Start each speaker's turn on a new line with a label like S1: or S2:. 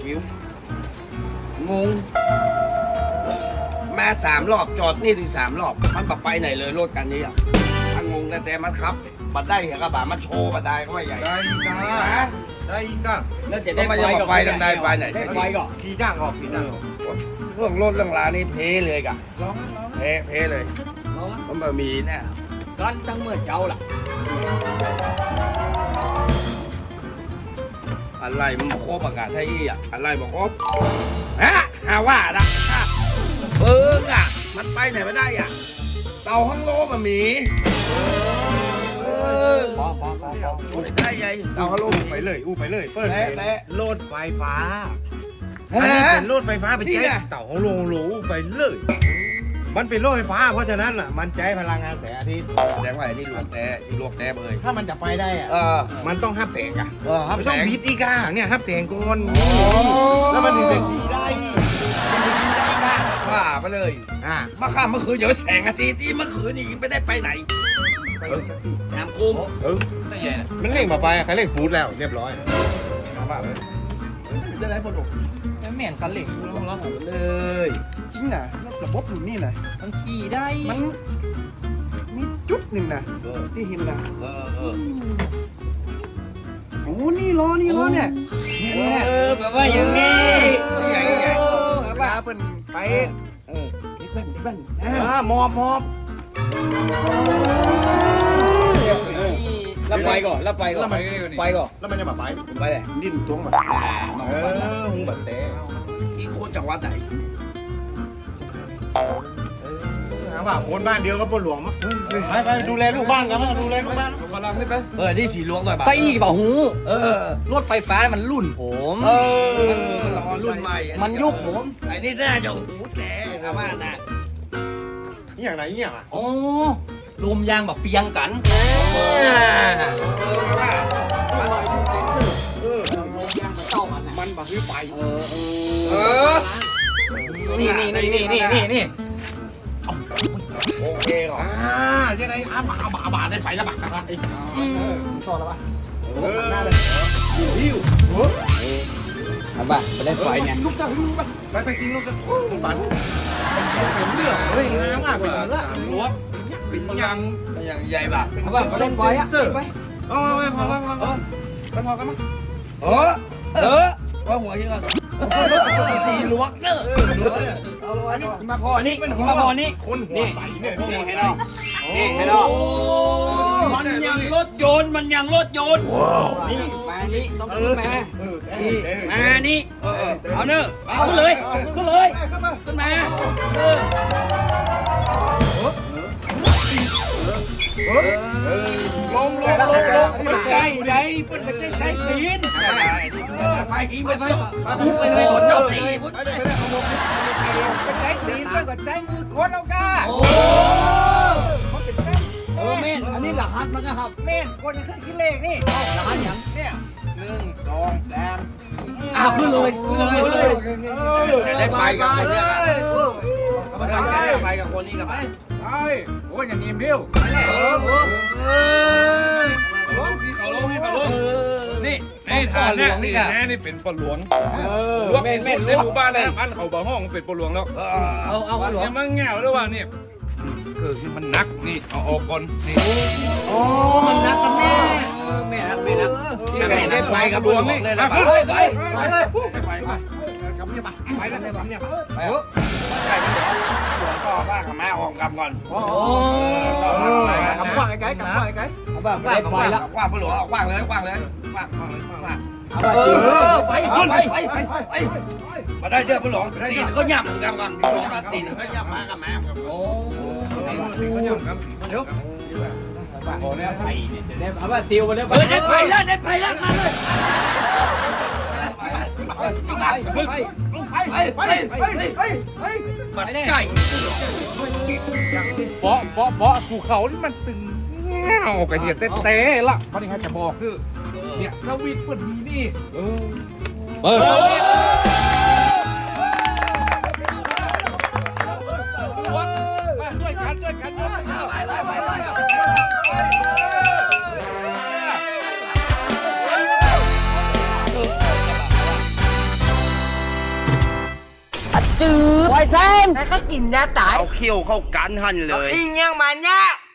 S1: หิวงงมา3 รอบจอดนี่ถึง3 รอบมันแบบไปไหนเลยรถกันนี้อ่ะมันงงแต่มันครับบัดได้เหรอกระบะมันโชว์บัดได้ก็ไม่ใหญ่
S2: ได้อีกอ่ะได้อีกอ่ะ
S3: แล้วจะ
S1: ก็
S3: ได้
S1: ไม่จะไปทำได้ไปไหน
S3: ได้
S1: สัก
S3: ไป
S1: ที
S3: ก่อน
S2: ขี่จ้างออกขี่จ้างออก
S1: เรื่องรถเรื่องลานี่เพเลยกะ
S2: ร้อง
S1: เพเลย
S3: เอาละ
S1: มันแบบมีเนี่ย
S3: กันตั้งเมื่อเจ้าล่ะ
S1: อะไรมันบอกครบอากาศไทยอ่ะอะไรบอกครบฮะหาว่านะเบิ้งอ่ะมันไปไหนไม่ได้อ่ะเต่าห้องโลมันมี
S2: พอ
S1: พูดได้ยัยเต่าห้องโล
S2: ไปเลยไปเลยเปิด
S1: แต่
S2: รถไฟฟ้าอันนี้เป็นรถไฟฟ้าไปใช้เต่าของโรงหรูไปเลยมันเป็นรถไฟฟ้าเพราะฉะนั้นอ่ะมันใช้พลังงานแสงอาทิตย์
S1: แสดงว่าไอ้นี่ลวกแต่ที่ลวกแต่เลย
S2: ถ้ามันจะไปได้อ่ะ มันต้องห้ามแสงอ่ะ
S1: ครับ
S2: ไม่
S1: แส
S2: ต้อง
S1: ง
S2: บีทอีกอ่ะเนี่ยห้ามแสงก่อน
S1: โอ้
S2: แล้วมันถึงจะขี่ได้มันถึงขี่ได้ค่ะ
S1: ว่าไปเลย
S2: มา
S1: เมื่อคืนเดี๋ยวแสงอาทิตย์ที่เมื่อคืนนี่ไม่ได้ไปไหน
S3: น้ำคุ้ม
S1: ได้ยังไง
S2: มันเร่งมาไปใครเร่งฟูดแล้วเรียบร้อย
S4: จะได้ผล
S3: แล้วแม่นกันเหล็กกูแล้วเลย
S4: จริงนะระบบรุ่นนี้นะ
S3: มันขี่ได้
S4: มันมีจุดหนึ่งนะที่เห็นนะโอ้นี่ล้อเนี่ย
S3: แบบว่าอย่างนี้
S1: ใหญ่ใหญ่
S4: แบบว่าเพิ่นไปดิบแว่นมอบ
S3: แล้วไปก่อนแล้วไปก่อนไปก่อน
S2: แล้วมันจะมาไป
S3: ไปเลย
S4: ดิ้นตรงแบบ
S2: หูบัดแต่
S1: อีกคนจากวัดไหน
S2: ถามว่าคนบ้านเดียวกับปนหลวงมั้งไปดูแลลูกบ้านกันดูแลลูกบ้าน
S3: กำลังไม่ไป
S1: นี่สีลวงหน่อยป่ะ
S3: ไปอีกเปล่าหูรถไฟฟ้ามันรุ่นผม
S1: มันรอรุ่นใหม่
S3: มันยุคผม
S1: ไอ้นี่น่าจะหูแต่ครับว่านะ
S2: นี่อย่างไรนี่อย่างไร
S3: อ๋อลมยางแบบเปียงกัน
S4: มันบักวิไป
S3: นี่
S1: โอเคเหรอ
S2: ยังไง
S1: บาได้ไปแล้วบักกัน
S4: ชอบแล้วปะ
S2: หน้าเลยหิว
S3: ครับป่ะไปได้ไฟเนี่ย
S4: ลูกตั้งลูกปะ
S2: ไปกินลูกกันปั่นเป็นเรื่องเฮ้ยน้ำอ่ะเป็นเรื่อง
S3: รั้ว
S2: เป็นยัง
S1: อย่างใหญ่ป่ะ
S3: ครับป่ะไปได้ไฟอ่ะไป
S2: อ๋อไม่พอกันมั้ง
S1: ว่าหัวยังไงสีลวกเนอะ
S3: มาพอนี่มาพอนี่
S2: คนหัวใสเนี่ย
S3: นี่เห็นหรอนี่เห็นหรอมันยังรถยนต์นี่มานี่ต้องขึ้นมานี่เอาเนอะขึ้นเลยขึ้นมาลงมันใจใหญ่มันไม่ใช่ตีนไปกี่ไปเลยหมดเจ้าตีนใช้ตีนเพื่อนกับใจมือคนเอาก้าเม่นอันนี้หลักฮัทมันก็ครับเม่นคนยังขึ้นคิดเลขนี่หลักฮัทอย่างเนี่ย1 2 3ขึ้นเลย
S1: ได้ไปกับคนนี้ได้ไปกับคนนี้กับไป
S3: โอ้ยอย่างนี้บิ้ว
S5: นี่ฐานเนี่ยนี่แน่นี่เป็นปลหลวงลวกที่สุดในหมู่บ้านเลยอันเขาบ่ห้องเป็นปลหลวงแล้ว
S1: เอาหลวง
S5: เนี่ยมันแง่วด้วยว่าเนี่ยคือที่มันนักนี่เอาออกก่อนนี่
S3: มันนักกันแม่ไม่นัก
S1: ได้ไปกับหลวงนี่ได้ไป
S4: กำเนี่ยปะไปแล้วกำเนี่ยปะ
S1: หลวงต่อว่ากับแม่ออกกำก่อน
S4: กำว่าไอ้ไก่กำว่าไอ้ไก่
S3: เอาแบบได้ไฟแล้ว
S1: กว้างหลวงกว้างเลยกว้างมาได้เจอหลวงตีนเขาหยับกันก่อนตีนเขาหยับมากับแม่โอ้
S2: ก็ยังครับเดี๋ยว
S3: โอ้เนี่ยไฟเนี่ยจะได้เอาแบบติวมาได้ไปแล้วมาเลย
S1: มาได้ไก่
S5: เปาะภูเขานี่มันตึงแง่วกระเทียมเต้ละเพราะนี่ครับจะบอกคือเนี่ยสวิตเปิดมีนี่ด้วยกัน
S4: จืด
S3: ปล่อยเส้น
S4: แล้วก็กินยาตาย
S3: เอาเขี้ยวเข้ากันหันเลย
S4: อิงยังมันเนี่ย